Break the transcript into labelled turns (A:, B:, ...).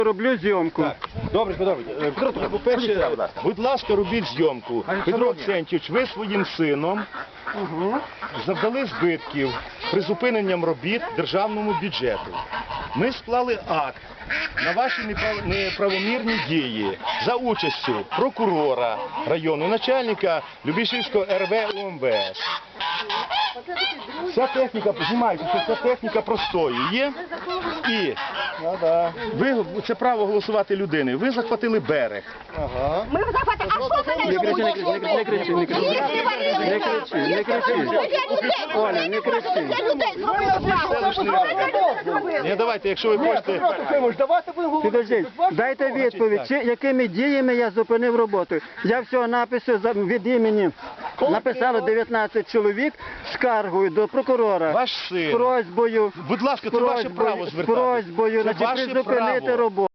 A: Роблю зйомку.
B: Добре. По-перше, будь ласка, робіть зйомку. Петро Аксентійович, ви своїм сином завдали збитків призупиненням робіт державному бюджету. Ми склали акт на ваші неправомірні дії за участю прокурора району, начальника Любішівського РВ УМВС. Вся техніка, знімайте, що вся техніка простоює. І ви, це право голосувати людини, ви захватили берег.
C: Ми захватили, а що це не
A: Не кричи. Оля, не кричи.
B: Ні, давайте, якщо ви хочете...
A: Підождіть, дайте відповідь, якими діями я зупинив роботу. Я всього напису від імені написало 19 чоловік скаргою до прокурора.
B: Ваш син.
A: Просьбою.
B: Будь ласка, це ваше право звертатися.
A: Просьбою,
B: Це ваше
A: призупинити
B: право.
A: роботу.